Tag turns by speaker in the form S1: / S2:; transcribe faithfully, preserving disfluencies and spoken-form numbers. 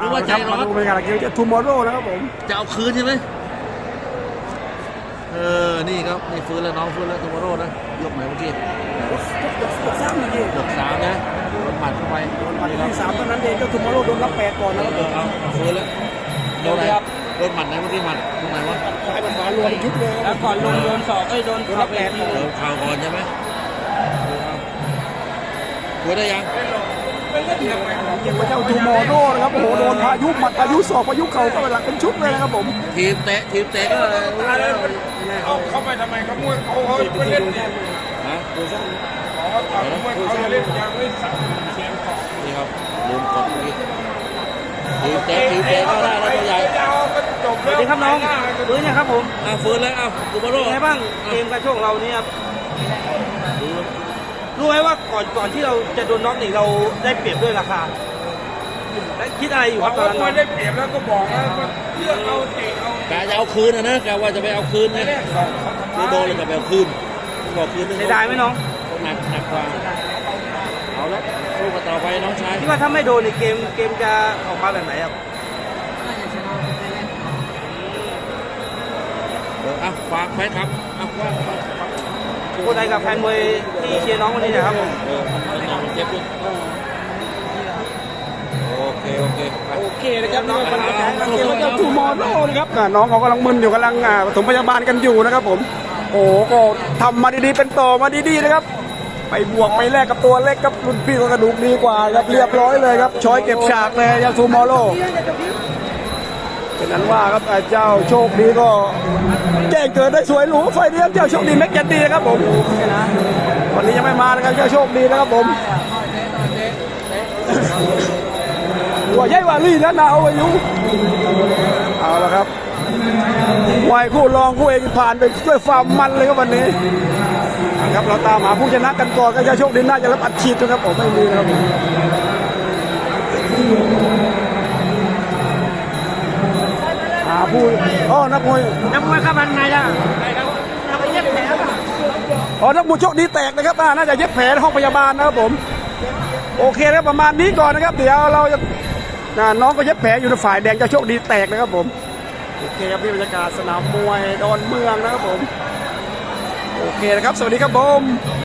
S1: รือว่าใจร้อน
S2: ดูเป็นการเกี่ยวจะทูมอร์โร่นะครับผม
S1: จะเอาคืนใช่ไหมเออนี่ครับนี่ฟื้นแล้วน้องฟื้นแล้วทูมอร์โร่นะยกไหนเมื่อกี้
S2: ยกสามนี่
S1: ยกสามนะโดนหมัดเข้าไป
S2: โดนหมัดที่สามเท่านั้นเองก็ทูมอร์โร่โดนรับแปดก่อนนะครับผม
S1: เอาฟื้นแล้วโดนไหนโดนหมัดไหนเมื่อกี้หมัดตรงไหนวะ
S2: ซ้ายมันขวารวมยุบเลย
S3: แล้วก่อนลงโดนศอกไอ้โดน
S2: รับแปด
S1: โดนเข่าก่อนใช่ไหมฟื้นได้ยัง
S2: ยังว่าเจ้าทูมอร์โร่นะครับโอ้โหโดนพายุหมัดพายุศอกพายุเข่าก็เป็นหลักเป็นชุดเลยนะครับผม
S1: ทีมเตะทีมเตะก็
S3: เอาเข้าไปทำไมเขามวยเขาเขาไม่เล่น
S1: ฮะ
S3: ดูซ้ำอ๋อตอนมวยเขาเล่นยังไม่สั่งเสียงของ
S1: นี่ครับลืมกดอีกทีมเตะทีมเตะก็ได้แล้วตัวใหญ่
S3: จบแล้ว
S2: ครับน้องฟื้นยังครับผม
S1: อ่ะฟื้นแล้วอ่ะทูมอร์โร่
S2: ไงบ้างเกมการชกเราเนี่ยครับรู้ไหมว่าก่อนก่อนที่เราจะโดนน็อกนี่เราได้เปรียบด้วยราคาและคิดอะไรอยู่ครับตอนนั้น
S3: ไม่ได้เปรียบแล้วก็บอกแล้วเลือกเอาเตะเอา
S1: กะจะเอาคืนนะนะกะว่าจะไปเอาคืนนะคือโดนเลยจะไปเอาคืนบอกคืน
S2: เสียดายไหมน้อง
S1: หนักหนักกว่าเอาละสู้กันต่อไปน้องชาย
S2: คิดว่าถ้าไม่โดนในเกมเกมจะออกมาแบบไหนครับ
S1: เอออ่ะฝากแฟนครับอ่ะว่า
S2: คนไทยกับแฟนมวยที่เชียร์น้องวันนี้นะครับผม
S1: เออน้องเจ็บด้วยโอเคโอเค
S2: โอเคนะครับน้องมันจะแข่งเกมกับทูมอร์โร่นะครับน้องเขากำลังมึนอยู่กำลังปฐมพยาบาลกันอยู่นะครับผมโอ้ก็ทำมาดีๆเป็นต่อมาดีๆนะครับไปบวกไปแลกกับตัวเล็กกับรุ่นพี่กระดูกดีกว่าครับเรียบร้อยเลยครับช้อยเก็บฉากเลยยาทูมอร์โร่เป็นนั้นว่าครับเจ้าโชคดีก็แจ้งเกิดได้สวยหรูไฟเดียวเจ้าโชคดีแม็กยันดีนะครับผมวันนี้ยังไม่มานะครับเจ้าโชคดีนะครับผมตัวใหญ่กว่าลี่นะนาเอาอายุเอาละครับมวยคู่รองคู่เอกผ่านไปด้วยความมันเลยครับวันนี้ครับเราตามหาผู้ชนะกันก่อนก็จะโชคดีน่าจะรับอัดฉีดนะครับผมไม่มีนะครับหาผู้อ๋อนักมวย
S3: นักมวยข้ามันไงล่ะเราไปเย็บแผล
S2: อ๋อนักมวยโชคดีแตกนะครับน่าจะเย็บแผลห้องพยาบาลนะครับผมโอเคครับประมาณนี้ก่อนนะครับเดี๋ยวเราจะน้องก็เย็บแผลอยู่ในฝ่ายแดงจะโชคดีแตกนะครับผมโอเคครับพี่บรรยากาศสนามมวยดอนเมืองนะครับผมโอเคนะครับสวัสดีครับผม